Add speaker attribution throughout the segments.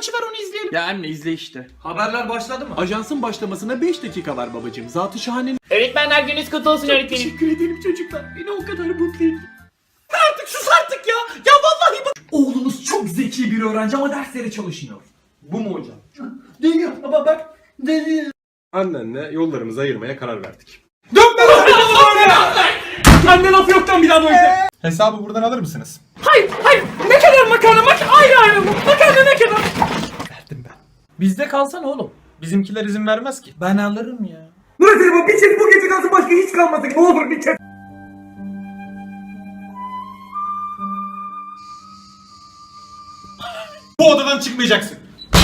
Speaker 1: maçı var, onu izleyelim.
Speaker 2: Ya anne izle işte.
Speaker 1: Haberler başladı mı?
Speaker 2: Ajansın başlamasına 5 dakika var babacığım. Zatı şahanenin.
Speaker 3: Öğretmenler gününüz kutlu olsun öğretmenim.
Speaker 2: Teşekkür ederim çocuklar. Beni o kadar mutlu ettin.
Speaker 1: Artık sus artık ya. Ya vallahi bak. Oğlunuz çok zeki bir öğrenci ama derslere çalışmıyor. Bu mu hocam? Değil baba bak. Değil.
Speaker 4: Annenle yollarımızı ayırmaya karar verdik.
Speaker 1: Dönme lan ya. Anne laf yoktan bir daha böyle.
Speaker 4: Hesabı buradan alır mısınız?
Speaker 1: Hayır. Ne kadar makarna? Ayrı mı? Makarna ne kadar?
Speaker 4: Verdim ben.
Speaker 1: Bizde kalsana oğlum.
Speaker 4: Bizimkiler izin vermez ki.
Speaker 1: Ben alırım ya.
Speaker 5: Bu bir çek bu gece kalsın, başka hiç kalmasın. Ne olur bir çek.
Speaker 4: Bu odadan çıkmayacaksın.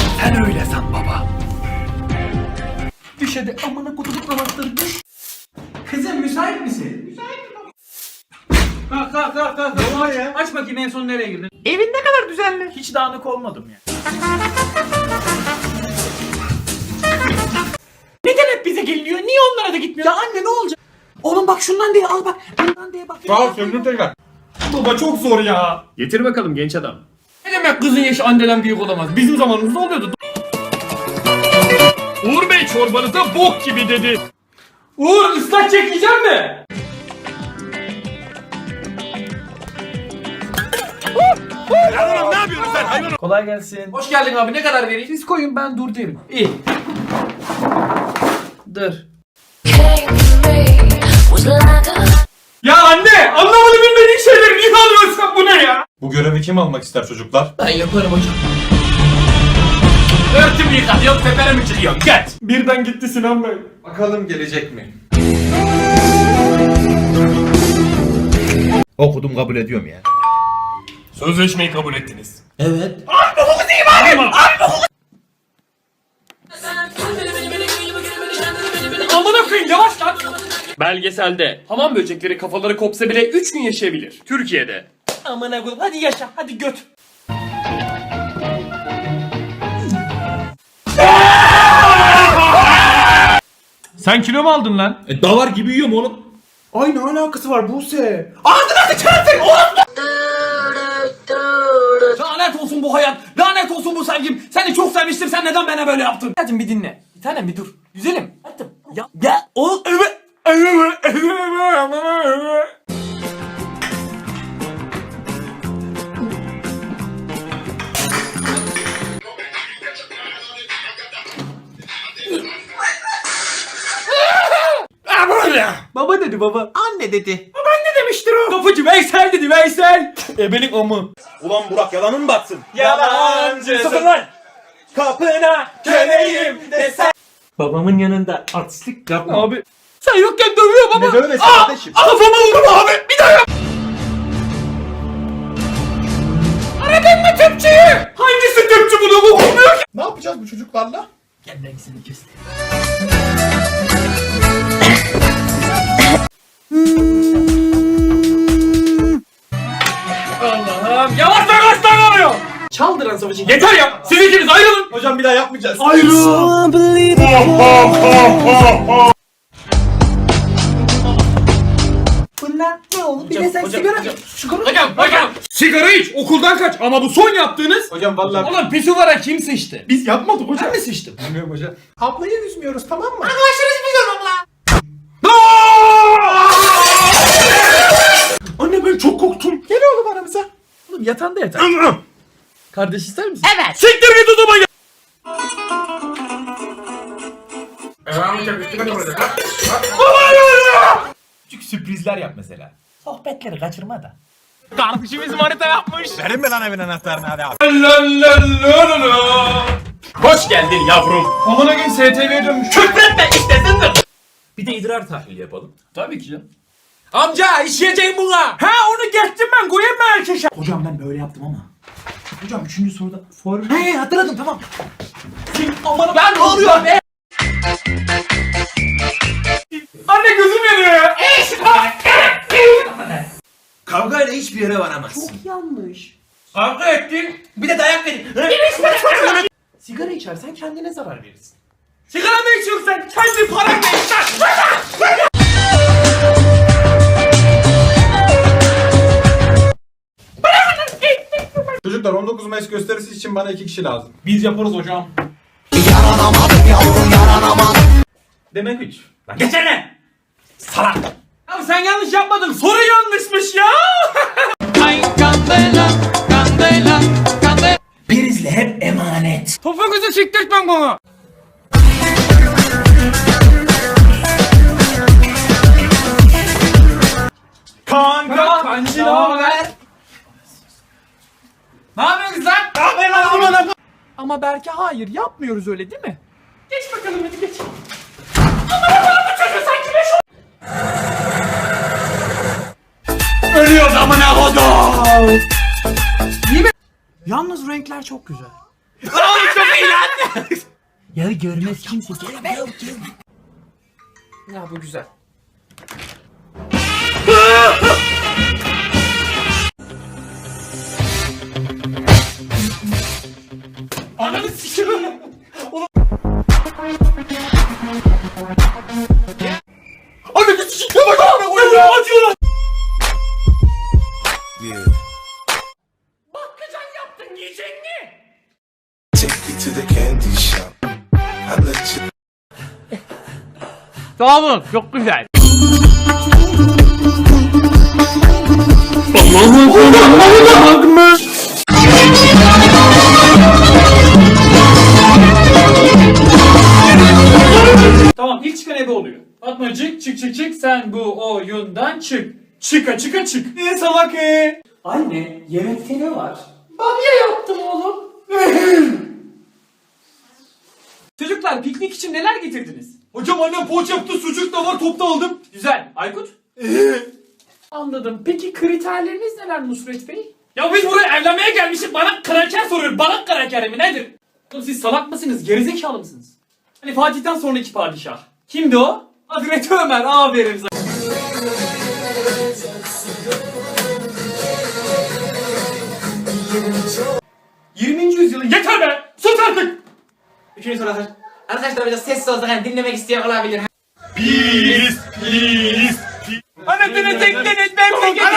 Speaker 1: Düş hadi amına kutup namazları düş. Kızım müsait misin? Müsaitim baba. Kalk. Ne var ya? Aç bakayım en son nereye girdin? Evin ne kadar düzenli. Hiç dağınık olmadım ya. Neden hep bize geliniyor? Niye onlara da gitmiyor? Ya anne ne olacak? Oğlum bak şundan diye al bak. Bundan diye bak.
Speaker 4: Sağ ol söndür tekrar. Baba çok zor ya.
Speaker 2: Getir bakalım genç adam.
Speaker 1: Ne demek kızın yaşı anneden büyük olamaz? Bizim zamanımızda oluyordu.
Speaker 2: Uğur Bey çorbanıza bok gibi dedi.
Speaker 1: Uğur ıslak çekeceğim mi?
Speaker 4: Ne yapıyorsun sen hayvan?
Speaker 1: Kolay gelsin. Hoş geldin abi, ne kadar vereyim? Siz koyun, ben dur derim. İyi. Dur. Ya anne, anlamadı bilmediğin şeyleri niye alıyorsun, bu ne ya?
Speaker 4: Bu görevi kim almak ister çocuklar?
Speaker 1: Ben yaparım hocam. Örtümü yıkatıyorum, teperimi çiliyorum, get.
Speaker 4: Birden gitti Sinan Bey. Bakalım gelecek mi?
Speaker 6: Okudum kabul ediyorum ya.
Speaker 4: Sözleşmeyi kabul ettiniz.
Speaker 1: Evet. Amına koyayım, yavaş lan.
Speaker 2: Belgeselde hamam böcekleri kafaları kopsa bile 3 gün yaşayabilir. Türkiye'de.
Speaker 1: Amına koyayım, hadi yaşa, hadi göt.
Speaker 2: Sen kilo mu aldın lan?
Speaker 6: Davar gibi yiyorum oğlum.
Speaker 4: Ay ne alakası var Buse?
Speaker 1: Ağzına sıçarsın oğlum. Lanet olsun bu hayat. Lanet olsun bu sevgim. Seni çok sevmiştim. Sen neden bana böyle yaptın? Hadi bir dinle. Bir tanem bir dur. Güzelim. Hadi. Ya o evet. Baba dedi baba.
Speaker 6: Anne dedi.
Speaker 1: Ne demiştir o? Kapıcı Veysel dedi Veysel. Ebelik amı.
Speaker 6: Ulan Burak yalanın batsın.
Speaker 1: Yalancı.
Speaker 6: Sakın lan. Kapına köleyim desen.
Speaker 1: Babamın yanında artistlik yapma. Abi. Sen yokken dövüyor baba.
Speaker 6: Ne dövmesi kardeşim?
Speaker 1: Kafama vurdum abi. Bir daha yap. Aradın mı tüpçüyü? Hangisi tüpçü bunu okumuyor ki?
Speaker 4: Ne yapacağız bu çocuklarla?
Speaker 1: Gel rengisini kes. Allah'ım yavaş lan oluyor. Çaldıran savaşı yeter ya. Siz ikiniz ayrılın.
Speaker 4: Hocam bir daha yapmayacağız.
Speaker 1: Ayrılın. Bunlar ne oldu? Bir de sen sigara Hocam. Sigara iç, okuldan kaç. Ama bu son yaptığınız.
Speaker 4: Hocam vallahi
Speaker 1: Oğlum pisuvara kim sıçtı?
Speaker 4: biz yapmadık hocam.
Speaker 1: Ben mi sıçtım?
Speaker 4: Bilmiyorum hocam. Ablayı üzmüyoruz tamam mı?
Speaker 1: Anne ben çok korktum.
Speaker 4: Gel oğlum aramıza.
Speaker 1: Oğlum yatağında yatar. Kardeş ister misin?
Speaker 3: Evet.
Speaker 1: Siktir git o zaman ya. Küçük sürprizler yap mesela. Sohbetleri kaçırma da.
Speaker 2: Kardeşimiz manita yapmış.
Speaker 6: Verin mi lan evin anahtarını hadi abi.
Speaker 2: Hoş geldin yavrum.
Speaker 4: Amına gün STV'ye dönmüş.
Speaker 2: Küfretme iştesindir.
Speaker 1: Bir de idrar tahlili yapalım.
Speaker 2: Tabii ki canım.
Speaker 1: Amca işleyeceğim buna. Ha onu geçtim ben, koyayım mı erkeşe? Hocam ben böyle yaptım ama. Hocam 3. soruda He hatırladım tamam. Aman ben ne oluyor be? Anne gözüm yanıyor ya.
Speaker 6: Kavgayla hiçbir yere varamazsın.
Speaker 1: Çok yanlış. Kavga ettin. Bir de dayak verin. Sigara içersen kendine zarar verirsin. Sigara mı içiyorsun sen? Kendi paranla iç lan.
Speaker 4: Çocuklar 19 Mayıs gösterisi için bana 2 kişi lazım.
Speaker 1: Biz yaparız hocam. Demek 3. Lan geçene! Salak! Abi sen yanlış yapmadın. Soru yanlışmış ya!
Speaker 5: Prizle hep emanet.
Speaker 1: Topuğunuzu siktirtmem bana.
Speaker 4: Kanka!
Speaker 1: Kancı ne haber? Ne yapıyorsun lan? Ama Berke hayır yapmıyoruz öyle değil mi? Geç bakalım hadi geç. Ölüyoruz amına kodum. İyi mi? Yalnız renkler çok güzel. Oğlum çok iyi lan.
Speaker 5: Ya görmez kimse.
Speaker 1: Ya bu güzel. Ananı sikiyorum. Ananı sikiyorum. Acıyorlar. Bakkacan yaptın yiyecek mi?
Speaker 7: Take you to the candy shop. I let you.
Speaker 1: Sağ olun. Çok güzel. Tamam ilk çıkan ebe oluyor. Fatmacık çık çık çık sen bu oyundan çık. Çıka çıka çık. Ne salak Anne yemekte ne var? Bamya yaptım oğlum. Çocuklar piknik için neler getirdiniz?
Speaker 4: Hocam annem poğaça yaptı, sucuk da var, topta aldım.
Speaker 1: Güzel. Aykut? Anladım. Peki kriterleriniz neler Nusret Bey? Ya biz buraya evlenmeye gelmişiz. Bana kraker soruyor. Bana kraker mi nedir? Oğlum siz salak mısınız? Gerizekalı mısınız? Hani Fatih'ten sonraki padişah. Kimdi o? Hazreti Ömer. Aferin sana. ...20. yüzyılın... Yeter be! Sus artık!
Speaker 3: Üçüncü soru arkadaşlar. Arkadaşlar biraz sessiz olsak hani dinlemek isteyen olabilir.
Speaker 1: Anasını tekleniz ben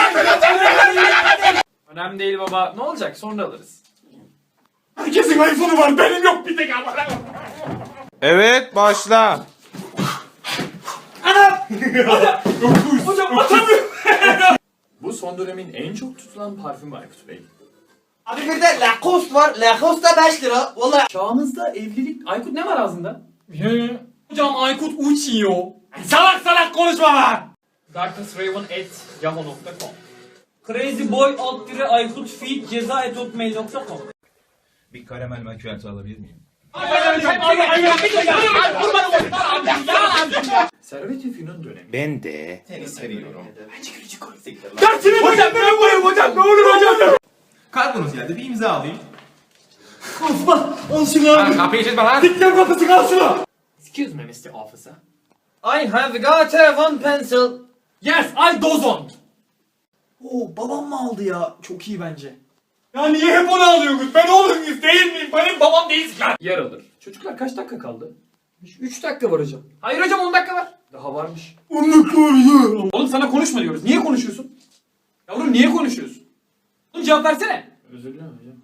Speaker 1: önemli değil baba. Ne olacak? Sonra alırız.
Speaker 4: Herkesin iPhone'u var, benim yok bir tek ama.
Speaker 6: Evet başla.
Speaker 1: Hocam atamıyorum. Bu son dönemin en çok tutulan parfümü Aykut Bey.
Speaker 3: Abi bir de Lacoste var. Lacoste da 5 lira. Vallahi.
Speaker 1: Çağımızda evlilik... Aykut ne var ağzında? Hocam Aykut uçuyor. Salak salak konuşma lan! darknessraven@yahoo.com Crazyboy Aykut feed ceza@hotmail.com
Speaker 6: Bir karamel macchiato alabilir miyim?
Speaker 1: Servet-i Fünun dönemi.
Speaker 6: Ben de seni seviyorum.
Speaker 1: Dersini hocam ben koyayım hocam ne olur hocam.
Speaker 6: Kargonuz geldi, bir imza alayım.
Speaker 4: Kapıyı çizme lan.
Speaker 1: Dikler kapısı kalsın. Excuse me Mr. Officer.
Speaker 3: I have got a one pencil.
Speaker 1: Yes I dozon. Oo babam mı aldı ya? Çok iyi bence.
Speaker 4: Ya niye hep onu alıyorsunuz? Ben oğlunuz değil miyim? Benim babam değilsin lan.
Speaker 1: Yer alır. Çocuklar kaç dakika kaldı? 3 dakika var hocam. Hayır hocam 10 dakika var. Daha varmış.
Speaker 4: 10 dakika var ya.
Speaker 1: Oğlum sana konuşma diyoruz. Niye konuşuyorsun? Yavrum niye konuşuyorsun? Oğlum cevap versene. Özür dilerim hocam.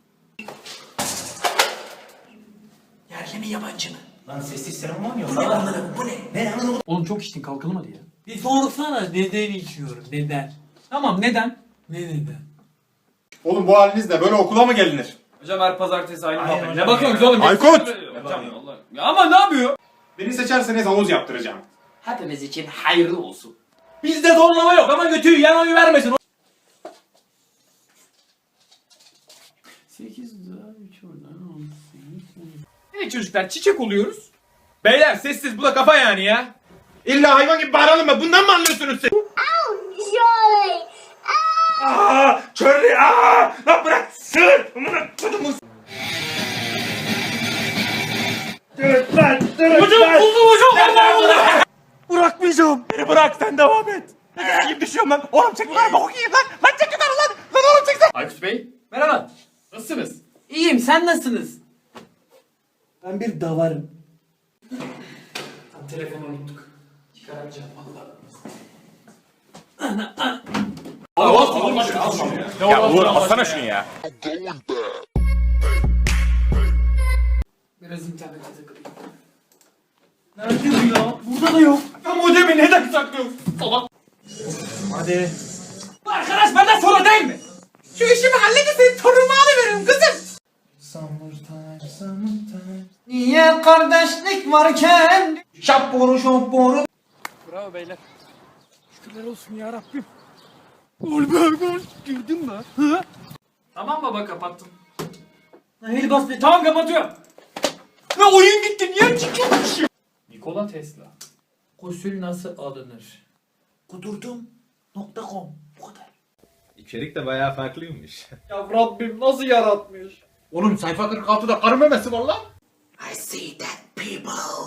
Speaker 5: Yerli mi yabancı mı? Lan sessiz seremonya. Bu ne anladın? Bu ne? Ne anladın?
Speaker 1: Oğlum çok içtin kalkalım hadi ya.
Speaker 3: Bir sorsana neden içiyorum? Neden?
Speaker 1: Tamam neden?
Speaker 3: Ne neden?
Speaker 4: Oğlum bu halinizle böyle okula mı gelinir?
Speaker 1: Hocam her pazartesi aynı muhabbet. Ne bakıyorsunuz oğlum?
Speaker 4: Aykut!
Speaker 1: Hocam Allah. Ya ama ne yapıyor?
Speaker 4: Beni seçerseniz havuz yaptıracağım.
Speaker 3: Hepimiz için hayırlı olsun.
Speaker 1: Bizde zorlama yok ama götüyü yan oyu vermesin. 8 daha 3 oradan 18. Evet çocuklar çiçek oluyoruz.
Speaker 6: Beyler sessiz, bu da kafa yani ya. İlla hayvan gibi bağıralım mı? Bundan mı anlıyorsunuz siz?
Speaker 8: Joy!
Speaker 6: Aaa! Charlie! Aaa! Lan bırak! Sığır! Amına kodumun!
Speaker 1: Hocam buldum hocam. Allah Allah.
Speaker 6: Bırakmayacağım! Beni bırak, sen devam et! Ne gibi düşüyorum lan? Oğlum çek lan! Bok yiyeyim lan! Lan çek lan! Lan oğlum çek!
Speaker 1: Aykut Bey merhaba. Nasılsınız? İyiyim sen nasılsınız? Ben bir davarım. Telefonu unuttuk. Çıkaramayacağım vallahi.
Speaker 6: Al şunu ya. Ya Uğur alsana şunu ya.
Speaker 1: Biraz internete takılayım. Nerede bu ya? Burada da yok.
Speaker 4: Ya modemi neden saklıyorsun? Salak.
Speaker 1: Hadi. Arkadaş benden sonra değil mi? Şu işimi halledin torunumu alıveririm kızım. Niye kardeşlik varken? Şapboru şapboru.
Speaker 2: Bravo beyler. Tamam baba kapattım.
Speaker 1: El bastı. Tamam kapatıyorum.
Speaker 4: Ne oyun gitti niye çıkıyormuş?
Speaker 2: Nikola Tesla.
Speaker 1: Gusül nasıl alınır? Kudurdum.com. Bu kadar.
Speaker 9: İçerik de bayağı farklıymış.
Speaker 4: Ya Rabbim nasıl yaratmış?
Speaker 6: Oğlum sayfa 46'da karı memesi var lan.
Speaker 1: I see that people.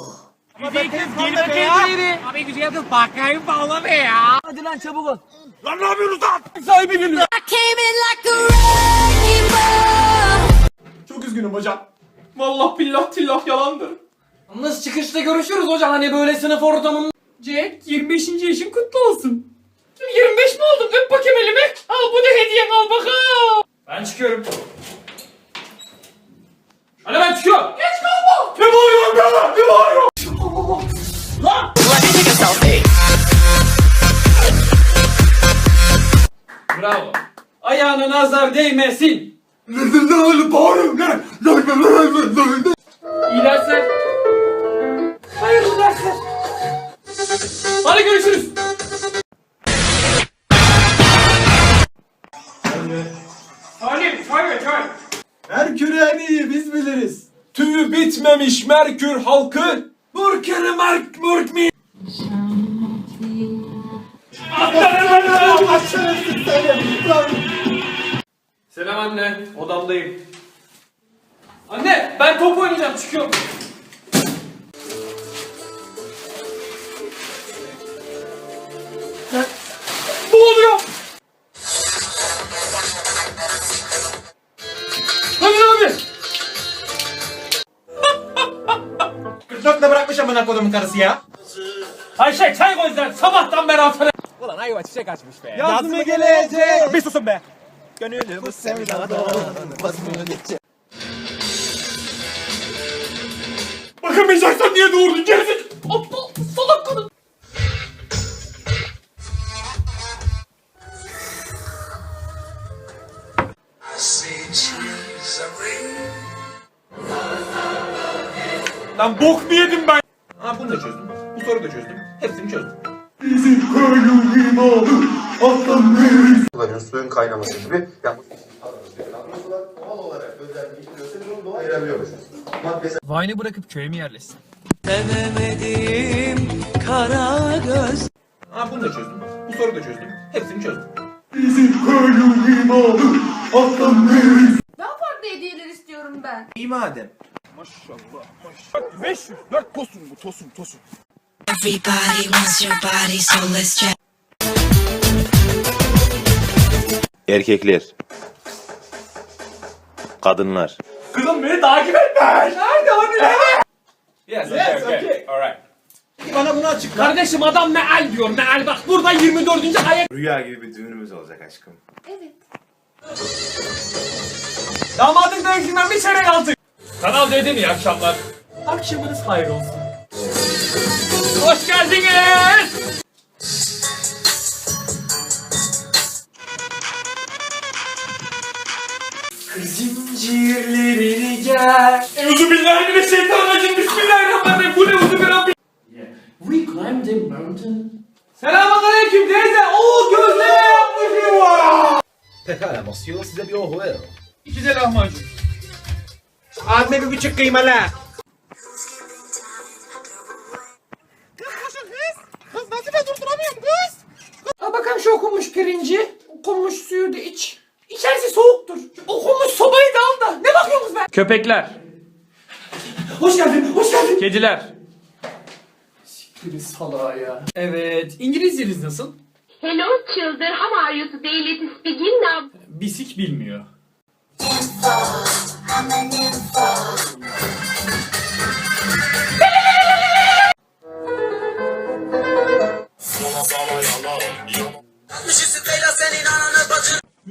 Speaker 4: Çok üzgünüm hocam. Vallahi billah tillah yalandır.
Speaker 1: Nasıl çıkışta görüşürüz hocam hani böyle sınıf ortamında.
Speaker 2: Jack 25. yaşın kutlu olsun. 25 mi oldum? Öp bakayım elimi. Al bu da hediyen al bakalım.
Speaker 1: Ben çıkıyorum. Hadi ben çıkıyorum.
Speaker 2: Geç kalma.
Speaker 4: Ne bağırıyorsun be? Ne bağırıyorsun?
Speaker 1: Bravo. Ayağına nazar değmesin.
Speaker 2: İyi dersler.
Speaker 1: Hayırlı dersler.
Speaker 2: Hadi görüşürüz.
Speaker 4: Merkür en iyi biz biliriz. Tüyü bitmemiş Merkür halkı. Murkeri Murk mi?
Speaker 1: Selam anne. Odamdayım. Anne ben top oynayacağım çıkıyorum.
Speaker 4: Ne oluyor?
Speaker 1: Hadi abi.
Speaker 3: 44'te bırakmış amına kodumun karısı ya.
Speaker 1: Ayşe çay koy sen sabahtan beri atana.
Speaker 6: Yaz mı gelecek? Bir susun be. Gönlümü
Speaker 4: Bakamayacaksan niye doğurdun gerizek? Aptal salak kadın. Lan bok mu yedim ben?
Speaker 3: Ha bunu da çözdüm. Bu soruyu da çözdüm. Hepsini çözdüm.
Speaker 10: Suların suyun kaynaması gibi yani doğal olarak özelleştiriyorsa biz onu doğal ayırabiliyoruz. Maddesel
Speaker 1: Vine'ı bırakıp köye mi yerleşsin?
Speaker 3: Ha bunu da çözdüm. Bu soruyu da çözdüm. Hepsini çözdüm.
Speaker 8: Daha farklı hediyeler istiyorum ben.
Speaker 3: İyi madem.
Speaker 6: 504 tosun bu tosun.
Speaker 11: Everybody wants your body, so let's try.
Speaker 9: Erkekler. Kadınlar.
Speaker 4: Kızım beni takip etme. Nerede hani?
Speaker 3: Yes,
Speaker 4: okay.
Speaker 3: Alright.
Speaker 6: Bana bunu açıkla.
Speaker 1: Kardeşim adam meal diyor meal bak burada 24. ayet.
Speaker 10: rüya gibi bir düğünümüz olacak aşkım.
Speaker 8: Evet.
Speaker 1: Damadın dövüşünden bir çeyrek aldık.
Speaker 2: Kanal D'den iyi akşamlar.
Speaker 1: Akşamınız hayır olsun. Hoş geldiniz. Zincirlerini gel.
Speaker 4: Euzubillahimineşşeytanirracim. Bismillahirrahmanirrahim. Bu ne uzun
Speaker 1: We climbed the mountain. Selamünaleyküm teyze. Oo gözleme yapmışım var.
Speaker 10: Pekala monsieur size bir ohu ver.
Speaker 4: 2 de lahmacun.
Speaker 3: Abime bir buçuk kıymalı.
Speaker 6: Kız nasıl ben durduramıyorum kız?
Speaker 1: Al bakalım şu okunmuş pirinci. Okunmuş suyu da iç. İçerisi soğuktur. Okunmuş sobayı da al da. Ne bakıyorsunuz be?
Speaker 2: Köpekler.
Speaker 1: Hoş geldin, hoş geldin.
Speaker 2: Kediler.
Speaker 1: Siktir salağa ya. Evet, İngilizceniz nasıl?
Speaker 8: Hello children, how are you today? Let's begin now.
Speaker 1: Bisik bilmiyor.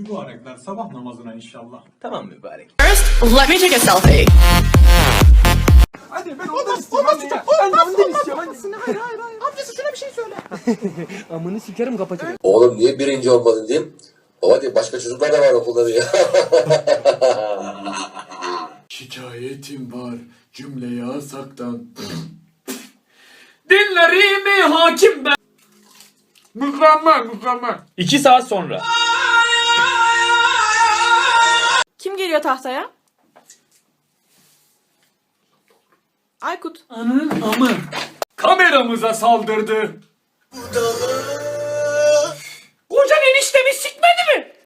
Speaker 4: Mübarekler sabah namazına inşallah.
Speaker 3: Tamam mübarek.
Speaker 11: Let me take a selfie.
Speaker 4: Hadi ben ondan istiyorum. Olmaz ya. Ben ondan istiyorum. Hayır. Amcası şuna bir şey söyle.
Speaker 2: Amını sikerim kapatırım.
Speaker 10: Oğlum niye birinci olmadın diyeyim. Baba diye başka çocuklar da var okulda diye.
Speaker 4: Şikayetim var cümle yasaktan.
Speaker 2: Dinlerimi hakim ben. Mükemmel. 2 saat sonra.
Speaker 11: Kim geliyor tahtaya? Aykut.
Speaker 2: Ananın amı. Kameramıza saldırdı. Kocan eniştemi sik.